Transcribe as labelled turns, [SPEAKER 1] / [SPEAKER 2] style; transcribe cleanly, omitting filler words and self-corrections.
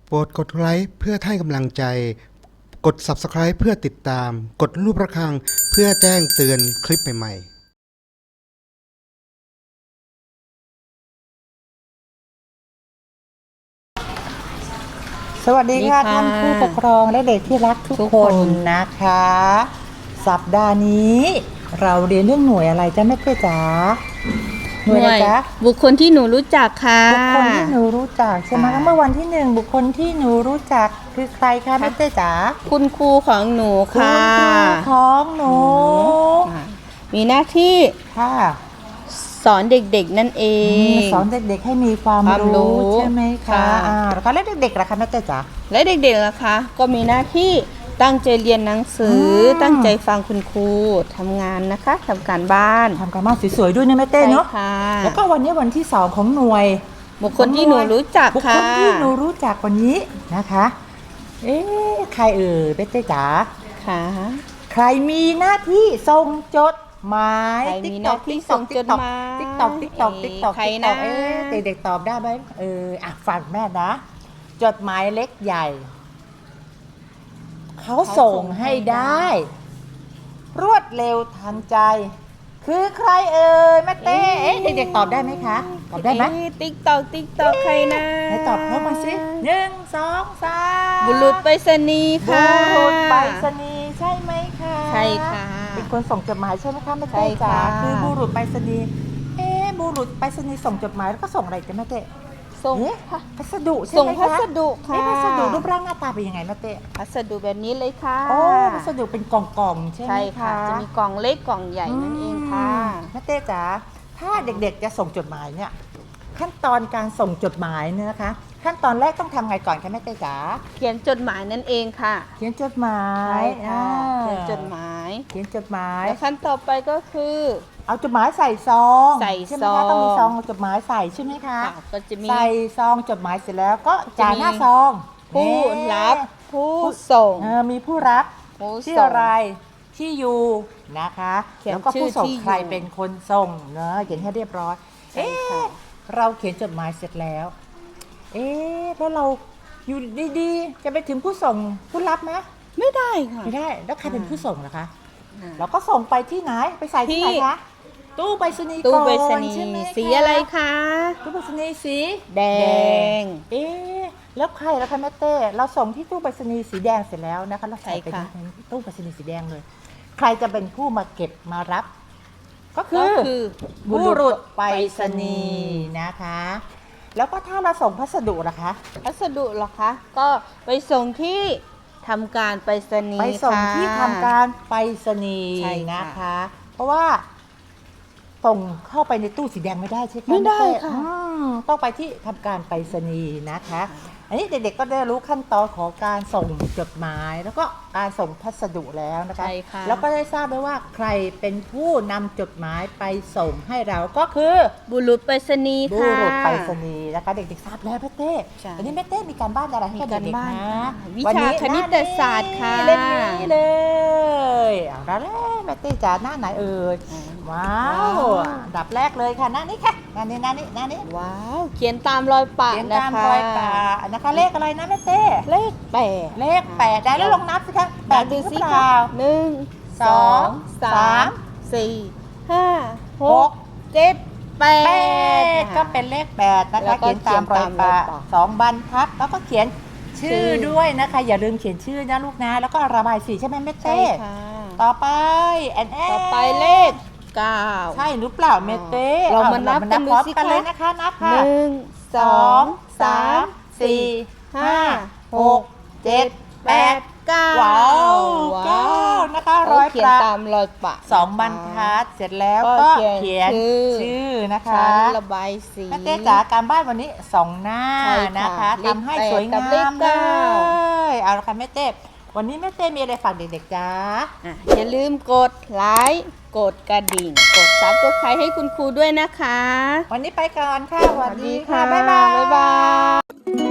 [SPEAKER 1] โปรดกดไลค์เพื่อให้กำลังใจกด Subscribe เพื่อติดตามกดรูประฆังเพื่อแจ้งเตือนคลิปใหม่ๆ
[SPEAKER 2] สวัสดีค่ะท่านผู้ปกครองและเด็กที่รักทุกคนนะคะ สัปดาห์นี้เราเรียนเรื่องหน่วยอะไรจ๊ะแม่เต้จ๋าหน่วยอะไรจ๊ะ
[SPEAKER 3] บุคคลที่หนูรู้จักค่ะ
[SPEAKER 2] บุคคลที่หนูรู้จักใช่ไหมเมื่อวันที่1บุคคลที่หนูรู้จักคือใครคะแม่เต้จ๋า
[SPEAKER 3] คุณครูของหนู
[SPEAKER 2] คุณ
[SPEAKER 3] ค่ะ
[SPEAKER 2] ครูของหนู
[SPEAKER 3] มีหน้าที่
[SPEAKER 2] ค่ะ
[SPEAKER 3] สอนเด็กๆนั่นเอง
[SPEAKER 2] สอนเด็กๆให้มีความ
[SPEAKER 3] ความรู้
[SPEAKER 2] รู้ใช่ไหมคะ
[SPEAKER 3] ค่ะ
[SPEAKER 2] แล้วก็เด็กๆล่ะคะแม่เต้จ๋า
[SPEAKER 3] และเด็กๆล่ะคะก็มีหน้าที่ตั้งใจเรียนหนังสือตั้งใจฟังคุณครูทำงานนะคะทำการบ้าน
[SPEAKER 2] ทำการบ้านสวยๆด้วยนะแม่เต้เนาะ
[SPEAKER 3] ใช่ค่ะ
[SPEAKER 2] แล้วก็วันนี้วันที่2ของหน่วย
[SPEAKER 3] บุคคลที่หนูรู้จัก
[SPEAKER 2] บุคค
[SPEAKER 3] ค่ะ
[SPEAKER 2] ลที่หนูรู้จักวันนี้นะคะ ใครแม่เต้จ๋า
[SPEAKER 3] ค่ะ
[SPEAKER 2] ใครมีหน้าที่ส่งจดหมาย
[SPEAKER 3] ใครมีหน้าที่ส่งจดหมาย
[SPEAKER 2] ติ๊กตอก
[SPEAKER 3] ใครนะ
[SPEAKER 2] เด็กๆตอบได้ไหมฟังแม่นะ จดหมายเล็กใหญ่เขาส่งให้ได้ รวดเร็วทันใจ คือใครแม่เต้เด็กๆตอบได้ไหมคะตอบได้ไหม
[SPEAKER 3] ติ๊กตอกใครนะ
[SPEAKER 2] ไหนตอบเข้ามาสิ1 2 3
[SPEAKER 3] บุรุษไปรษณีย์
[SPEAKER 2] บุ
[SPEAKER 3] ค่ะ
[SPEAKER 2] รุษไปรษณีย์ใช่ไหมคะ
[SPEAKER 3] ใช่ค่ะ
[SPEAKER 2] เป็นคนส่งจดหมายใช่ไหมคะแม่
[SPEAKER 3] ใช่
[SPEAKER 2] เต้จ๋า
[SPEAKER 3] ค่ะ
[SPEAKER 2] คือบุรุษไปรษณีย์บุรุษไปรษณีย์ส่งจดหมายแล้วก็ส่งอะไรจ๊ะแม่เต้
[SPEAKER 3] ส่ง
[SPEAKER 2] พัสดุใช่
[SPEAKER 3] ส่ง
[SPEAKER 2] ไหมคะ
[SPEAKER 3] พัสดุค่ะ
[SPEAKER 2] พัสดุรูปร่างหน้าตาเป็นยังไงแม่เต้
[SPEAKER 3] พัสดุแบบนี้เลยค่ะ
[SPEAKER 2] โอ้พัสดุเป็นกล่องๆใช่ไหม
[SPEAKER 3] ใช่
[SPEAKER 2] คะ
[SPEAKER 3] ค่ะ จะมีกล่องเล็กกล่องใหญ่นั่นเองค่ะ
[SPEAKER 2] แม่เต้จ๋าถ้าเด็กๆจะส่งจดหมายเนี่ยขั้นตอนการส่งจดหมายเนี่ยนะคะ ขั้นตอนแรกต้องทำไงก่อนคะแม่เต้จ๋า
[SPEAKER 3] เขียนจดหมายนั่นเองค่ะ
[SPEAKER 2] เขียนจดหมาย
[SPEAKER 3] ใช่ค่ะเขียนจดหมาย
[SPEAKER 2] เขียนจดหมาย
[SPEAKER 3] แล้วขั้นต่อไปก็คือ
[SPEAKER 2] เอาจดหมายใส่ซอง
[SPEAKER 3] ใส่
[SPEAKER 2] ใช่ไหม
[SPEAKER 3] ซอ
[SPEAKER 2] คะ
[SPEAKER 3] ง
[SPEAKER 2] ต้องมีซองจดหมายใส่ใช่ไหมคะ
[SPEAKER 3] ค่ะก็จะมี
[SPEAKER 2] ใส่ซองจดหมายเสร็จแล้วก็จ่ายหน้าซอง
[SPEAKER 3] ผู้รับ
[SPEAKER 2] นี่
[SPEAKER 3] ผู้ส่ง
[SPEAKER 2] มีผู้รับ
[SPEAKER 3] ผู้
[SPEAKER 2] ชื่อ
[SPEAKER 3] ส่ง
[SPEAKER 2] อะไรที่อยู่นะคะ
[SPEAKER 3] เขียน
[SPEAKER 2] แล้วก็ผู้ส่ง
[SPEAKER 3] ชื่อที่อยู่
[SPEAKER 2] ใครเป็นคนส่งเนอะเขียนให้เรียบร้อย
[SPEAKER 3] ใช่ค่ะ
[SPEAKER 2] เราเขียนจดหมายเสร็จแล้วแล้วเราอยู่ดีๆ จะไปถึงผู้ส่งผู้รับไหม
[SPEAKER 3] ไม่ได้ค่ะ
[SPEAKER 2] ไม่ได้แล้วใครเป็นผู้ส่งล่ะคะ
[SPEAKER 3] อ่า
[SPEAKER 2] เราก็ส่งไปที่ไหนไปใส่ที่ไหน
[SPEAKER 3] ที่
[SPEAKER 2] คะตู้ไปรษณีย์
[SPEAKER 3] ตู้
[SPEAKER 2] ก่อน
[SPEAKER 3] ไปรษณี
[SPEAKER 2] ใช่ไหม
[SPEAKER 3] ย์
[SPEAKER 2] ค
[SPEAKER 3] สีอะไรคะ
[SPEAKER 2] ตู้ไปรษณีย์สี
[SPEAKER 3] แดง
[SPEAKER 2] แล้วใครล่ะคะแม่เต้เราส่งที่ตู้ไปรษณีย์สีแดงเสร็จแล้วนะคะเราใส่ไป
[SPEAKER 3] ใช่ค่ะ
[SPEAKER 2] ในตู้ไปรษณีย์สีแดงเลย ใครจะเป็นผู้มาเก็บมารับ ก็คื
[SPEAKER 3] ก็
[SPEAKER 2] อ
[SPEAKER 3] คือ
[SPEAKER 2] บุรุษไปรษณีย์นะคะ แล้วก็ถ้าเราส่งพัสดุล่ะคะ
[SPEAKER 3] พัสดุเหรอคะ ก็ไปส่งที่ทำการไปรษณีย์
[SPEAKER 2] ไปส่ง
[SPEAKER 3] ค่ะ
[SPEAKER 2] ที่ทำการไปรษณีย์
[SPEAKER 3] ใช่ค่ะ
[SPEAKER 2] นะคะ เพราะว่าส่งเข้าไปในตู้สีแดงไม่ได้ใช่ไหม
[SPEAKER 3] ไม่ได้
[SPEAKER 2] แม่เต้
[SPEAKER 3] ค่ะ
[SPEAKER 2] ต้องไปที่ทำการไปรษณีย์นะคะ อันนี้เด็กๆก็ได้รู้ขั้นตอนของการส่งจดหมาย แล้วก็การส่งพัสดุแล้วนะคะ
[SPEAKER 3] ใช่ค่ะ
[SPEAKER 2] แล้วก็ได้ทราบด้วยว่าใครเป็นผู้นำจดหมายไปส่งให้เราก็คือ
[SPEAKER 3] บุรุษไปรษณีย์
[SPEAKER 2] บุ
[SPEAKER 3] ค่ะ
[SPEAKER 2] รุษไปรษณีย์นะคะเด็กๆทราบแล้วแม่เต้
[SPEAKER 3] ใช่
[SPEAKER 2] วันนี้แม่เต้มีการบ้านอะไรให้กับ
[SPEAKER 3] มีการ
[SPEAKER 2] เด็ก
[SPEAKER 3] บ้าน
[SPEAKER 2] ๆนะ
[SPEAKER 3] ค่ะวิชา
[SPEAKER 2] วันนี้
[SPEAKER 3] คณิตศาสตร์ค่ะ
[SPEAKER 2] เล่มนี้เลยเอาละแม่เต้จ๋าหน้าไหนเอ่ยว้าวอันดับแรกเลยค่ะหน้านี้ค่ะหน้านี้
[SPEAKER 3] ว้าว เขียนตามรอยปะ
[SPEAKER 2] เขียน
[SPEAKER 3] นะ
[SPEAKER 2] ตาม
[SPEAKER 3] คะ
[SPEAKER 2] รอยปะนะคะเลขอะไรนะแม่เต้
[SPEAKER 3] เลขแปด
[SPEAKER 2] เลข8ได้แล้วลองนับสิคะแปด
[SPEAKER 3] ดู
[SPEAKER 2] ถึงห
[SPEAKER 3] สิ
[SPEAKER 2] รือเป
[SPEAKER 3] คะ
[SPEAKER 2] ล่า
[SPEAKER 3] หนึ่ง
[SPEAKER 2] ส
[SPEAKER 3] ส
[SPEAKER 2] อ
[SPEAKER 3] อง ง
[SPEAKER 2] สา
[SPEAKER 3] สาม มสี่ห้าหกเจ็ดแป
[SPEAKER 2] แป
[SPEAKER 3] ด
[SPEAKER 2] ดก็เป็นเลข8นะ
[SPEAKER 3] แล้
[SPEAKER 2] คะ
[SPEAKER 3] วก็
[SPEAKER 2] เขียนตามรอยปะ
[SPEAKER 3] เขียนตามรอยปะ
[SPEAKER 2] 2 บรรทัดแล้วก็เขียนชื่อด้วยนะคะ อย่าลืมเขียนชื่อนะลูกนะแล้วก็ระบายสีใช่ไหมแม่
[SPEAKER 3] ใช่
[SPEAKER 2] เต้
[SPEAKER 3] ค่ะ
[SPEAKER 2] ต่อไป
[SPEAKER 3] ต่อไปเลขเก้า
[SPEAKER 2] ใช่หรือเปล่าแม่เต้
[SPEAKER 3] เรามานับกันดู
[SPEAKER 2] พร้อม
[SPEAKER 3] สิ
[SPEAKER 2] กัน
[SPEAKER 3] คะ
[SPEAKER 2] เลยนะคะนับ
[SPEAKER 3] ห
[SPEAKER 2] ค่ะ
[SPEAKER 3] นึ่งสองสามสี่ห้าหกเจ็ดแปดเก้า
[SPEAKER 2] ว้าวเก้านะคะรอย
[SPEAKER 3] เขียน
[SPEAKER 2] ประ
[SPEAKER 3] ตามรอยปะ
[SPEAKER 2] 2 บรรทัดเสร็จแล้วก็
[SPEAKER 3] ก็
[SPEAKER 2] เขียน
[SPEAKER 3] เขียน
[SPEAKER 2] ชื่อนะคะ
[SPEAKER 3] ชั้นระบายสี
[SPEAKER 2] แม่เต้จ๋าการบ้านวันนี้2 หน้า
[SPEAKER 3] ใช่ค่ะ
[SPEAKER 2] นะคะ
[SPEAKER 3] เลข
[SPEAKER 2] ทำให้
[SPEAKER 3] แปด
[SPEAKER 2] สวย
[SPEAKER 3] กับ
[SPEAKER 2] งา
[SPEAKER 3] เลข
[SPEAKER 2] มเล
[SPEAKER 3] เก้า
[SPEAKER 2] ยเอาละค่ะแม่เต้วันนี้แม่เต้มีอะไรฝากเด็กๆจ้า
[SPEAKER 3] อย่าลืมกดไลค์กดกระดิ่ง กดซับสไครต์ให้คุณครูด้วยนะคะ
[SPEAKER 2] วันนี้ไปก่อนค่ะสวัสดีค่ะบ๊ายบาย
[SPEAKER 3] บ๊ายบาย